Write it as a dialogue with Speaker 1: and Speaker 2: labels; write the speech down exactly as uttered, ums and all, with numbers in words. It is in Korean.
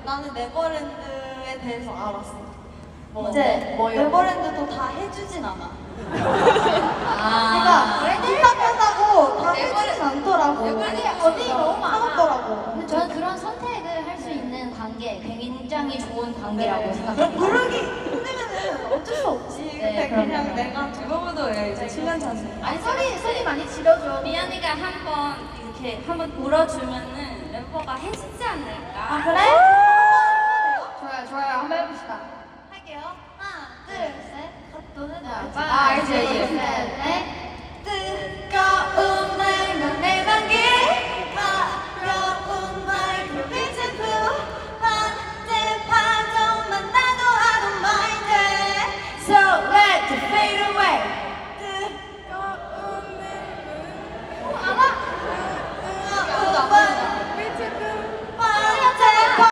Speaker 1: 나는 네버랜드에 대해서 알았어.
Speaker 2: 뭐,
Speaker 1: 이제
Speaker 2: 뭐요?
Speaker 1: 네버랜드도 다 해주진 않아.
Speaker 2: 아,
Speaker 1: 그러니까 부탁한다고 다
Speaker 2: 네버랜드-
Speaker 1: 해주진 않더라고.
Speaker 2: 네버랜드
Speaker 1: 어디
Speaker 2: 너무 많아.
Speaker 1: 사먹더라고.
Speaker 3: 근데 저는 그런 선택을 할 수 있는 관계 굉장히 좋은 관계라고 생각합니다.
Speaker 1: 부르기 힘들면은 어쩔 수 없지. 근데
Speaker 3: 그럼요,
Speaker 1: 그냥
Speaker 3: 그럼요.
Speaker 1: 내가 두고부도해 이제 칠 년 차지.
Speaker 2: 아니 소리 소리 많이 질러줘.
Speaker 4: 미연이가 한번 이렇게 한번 울어주면은 멤버가 해주지 않을까?
Speaker 1: 아 그래?